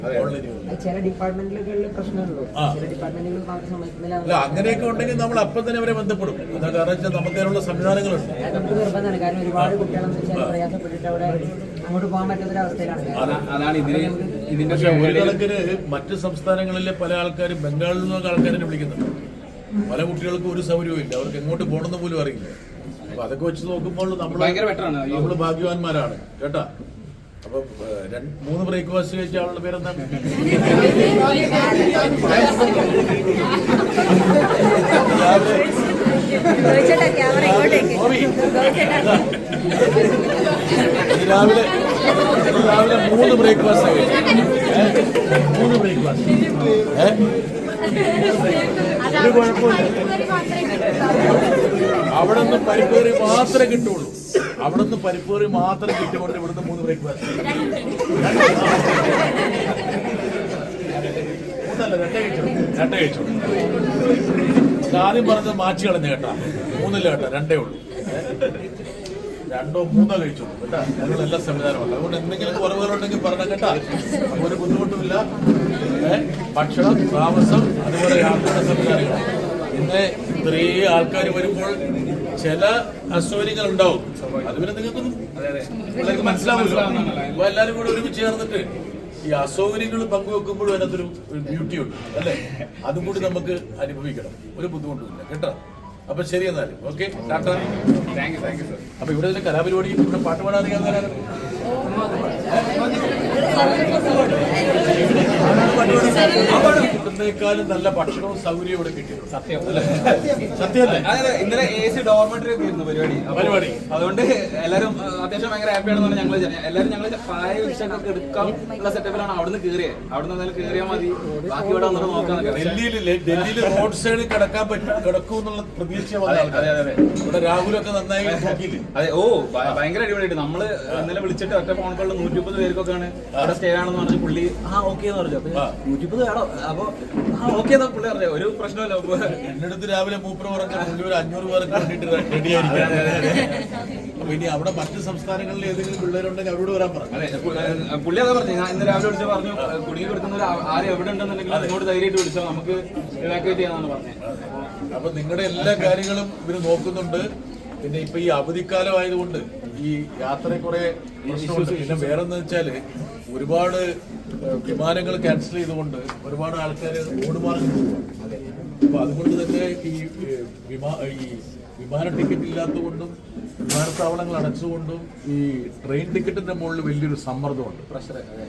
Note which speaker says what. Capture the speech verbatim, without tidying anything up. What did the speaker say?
Speaker 1: ചില ഡിപ്പാർട്ട്മെന്റുകളിൽ പ്രശ്നമുള്ളൂ. ചില ഡിപ്പാർട്ട്മെന്റുകൾ സമ്മതിക്കുന്നില്ല.
Speaker 2: അങ്ങനെയൊക്കെ ഉണ്ടെങ്കിൽ നമ്മൾ അപ്പം തന്നെ അവരെ ബന്ധപ്പെടും. എന്താ കാരണം വെച്ചാൽ നമുക്ക് അതിനുള്ള സംവിധാനങ്ങളുണ്ട്.
Speaker 1: നമുക്ക് നിർബന്ധമാണ്. കാരണം ഒരുപാട് കുട്ടികളെന്ന് വെച്ചാൽ പ്രയാസപ്പെട്ടിട്ട് അവിടെ അങ്ങോട്ട് പോകാൻ പറ്റാത്തൊരവസ്ഥയിലാണ്.
Speaker 2: പക്ഷെ ഒരു കണക്കിന് മറ്റ് സംസ്ഥാനങ്ങളിലെ പല ആൾക്കാരും ബംഗാളിൽ നിന്നൊക്കെ ആൾക്കാരെ വിളിക്കുന്നുണ്ട്. പല കുട്ടികൾക്കും ഒരു സൗകര്യവും ഇല്ല. അവർക്ക് എങ്ങോട്ട് പോകണമെന്ന് പോലും അറിയില്ല. അപ്പൊ അതൊക്കെ വെച്ച് നോക്കുമ്പോൾ നമ്മൾ നമ്മൾ ഭാഗ്യവാന്മാരാണ് കേട്ടാ. അപ്പൊ മൂന്ന് ബ്രേക്ക്ഫാസ്റ്റ് കഴിച്ച ആളുടെ പേരെന്താ? രാവിലെ രാവിലെ മൂന്ന് ബ്രേക്ക്ഫാസ്റ്റ് കഴിച്ചു. മൂന്ന് ബ്രേക്ക്ഫാസ്റ്റ് ഒരു കുഴപ്പമില്ല. അവിടെ നിന്ന് പരിപ്പേറി മാത്രമേ കിട്ടുള്ളൂ. അവിടെ നിന്ന് പരിപ്പേറി മാത്രം കിട്ടിക്കൊണ്ട് ഇവിടുന്ന് മൂന്ന് ബ്രേക്ക്ഫാസ്റ്റ് മൂന്നല്ല രണ്ടേ കഴിച്ചു രണ്ടേ കഴിച്ചു ആദ്യം പറഞ്ഞത് മാറ്റി കളഞ്ഞ കേട്ടാ. മൂന്നില്ല കേട്ടാ, രണ്ടേ ഉള്ളൂ. രണ്ടോ മൂന്നോ കഴിച്ചോളൂ കേട്ടാ. അതിനുള്ള എല്ലാ സംവിധാനമുണ്ട്. അതുകൊണ്ട് എന്തെങ്കിലും കുറവുകളുണ്ടെങ്കിൽ പറഞ്ഞ കേട്ടാ. അപ്പൊ ഒരു ബുദ്ധിമുട്ടുമില്ല. ഭക്ഷണം, താമസം, അതുപോലെ യാത്രയുടെ സംവിധാനങ്ങൾ. ഇന്ന് ഇത്രയും ആൾക്കാർ വരുമ്പോൾ ചില അസൗകര്യങ്ങൾ ഉണ്ടാവും. അതുപോലെ നിങ്ങൾക്കൊന്നും പിള്ളേർക്ക് മനസ്സിലാവില്ല. അപ്പൊ എല്ലാവരും കൂടെ ഒരുമിച്ച് ചേർന്നിട്ട് ഈ അസൗകര്യങ്ങൾ പങ്കുവെക്കുമ്പോഴും അതിനകത്തൊരു ബ്യൂട്ടി ഉണ്ട് അല്ലേ? അതും കൂടി നമുക്ക് അനുഭവിക്കണം. ഒരു ബുദ്ധിമുട്ടുമില്ല കേട്ടോ. അപ്പൊ ശരി എന്നാലും ഓക്കെ ടാറ്റാ. അപ്പൊ ഇവിടെ ഇതിന്റെ കലാപരിപാടി ഇവിടെ പാട്ട് പാടാൻ അറിയാവുന്നവരാണ്. ഇവിടുന്നേക്കാളും നല്ല ഭക്ഷണവും സൗകര്യവും ഇവിടെ കിട്ടിയത് സത്യം അല്ലേ? സത്യമല്ലേ?
Speaker 3: ഇന്നലെ എ സി ഡോർമെന്ററി ഒക്കെ ആയിരുന്നു പരിപാടി
Speaker 2: പരിപാടി
Speaker 3: അതുകൊണ്ട് എല്ലാവരും അത്യാവശ്യം ഭയങ്കര ഹാപ്പിയാണെന്നാണ് ഞങ്ങൾ എല്ലാവരും ഞങ്ങൾ പായ വിഷയൊക്കെ എടുക്കാം ഉള്ള സെറ്റപ്പിലാണ് അവിടുന്ന് കയറിയത്. അവിടുന്ന് എന്തായാലും കയറിയാൽ മതി, ബാക്കി ഇവിടെ വന്നിട്ട് നോക്കാന്നൊക്കെ.
Speaker 2: ഡൽഹിയിലെ ഡൽഹിയിൽ റോഡ് സൈഡിൽ കിടക്കാൻ പറ്റും കിടക്കും എന്നുള്ള പ്രതീക്ഷ ഇവിടെ രാഹുലൊക്കെ നന്നായി നോക്കിയില്ലേ?
Speaker 3: അതെ. ഓ ഭയങ്കര അടിപൊളിയായിട്ട് നമ്മള് ഇന്നലെ വിളിച്ചിട്ട് ഒറ്റ ഫോൺ കോളിൽ നൂറ്റി മുപ്പത് പേർക്കൊക്കെയാണ് അവിടെ സ്റ്റേ ആണെന്ന് പറഞ്ഞു. പുള്ളി ആ ഓക്കെ എന്ന് പറഞ്ഞു. അപ്പൊ നൂറ്റി മുപ്പത് വേണോ? അപ്പൊ ആ ഓക്കെ എന്നാ പുള്ളി പറഞ്ഞു. ഒരു പ്രശ്നമല്ല.
Speaker 2: എന്റെ അടുത്ത് രാവിലെ മൂപ്പർ പറഞ്ഞ പുള്ളി ഒരു അഞ്ഞൂറ് പേർക്ക് വേണ്ടിട്ട് റെഡി ആയിരിക്കും. അപ്പൊ ഇനി അവിടെ മറ്റ് സംസ്ഥാനങ്ങളിൽ ഏതെങ്കിലും പിള്ളേരുണ്ടെങ്കിൽ അവരോട് വരാൻ പറഞ്ഞു.
Speaker 3: അതെ പുള്ളി അതാ പറഞ്ഞു. ഞാൻ ഇന്ന് രാവിലെ വിളിച്ച് പറഞ്ഞു കുടുങ്ങി കൊടുക്കുന്നവർ ആരും എവിടെ ഉണ്ടെന്നുണ്ടെങ്കിൽ അങ്ങോട്ട് ധൈര്യമായിട്ട് വിളിച്ചോ, നമുക്ക് ഇവാക്യുവേറ്റ് ചെയ്യാന്നാണ് പറഞ്ഞത്.
Speaker 2: അപ്പൊ നിങ്ങളുടെ എല്ലാ കാര്യങ്ങളും ഇവര് നോക്കുന്നുണ്ട്. പിന്നെ ഇപ്പൊ ഈ അവധിക്കാലം ആയതുകൊണ്ട് ഈ യാത്ര കുറെ പ്രശ്നമുണ്ട്. പിന്നെ വേറെന്ന് വെച്ചാല് ഒരുപാട് വിമാനങ്ങൾ ക്യാൻസൽ ചെയ്തുകൊണ്ട് ഒരുപാട് ആൾക്കാർ ഓടുമാർഗം പോവുകയാണ്. അപ്പൊ അതുകൊണ്ട് തന്നെ ഈ വിമാ ഈ വിമാന ടിക്കറ്റ് ഇല്ലാത്തതുകൊണ്ടും വിമാനത്താവളങ്ങൾ അടച്ചുകൊണ്ടും ഈ ട്രെയിൻ ടിക്കറ്റിന്റെ മുകളിൽ വലിയൊരു സമ്മർദ്ദമുണ്ട്. പ്രഷർ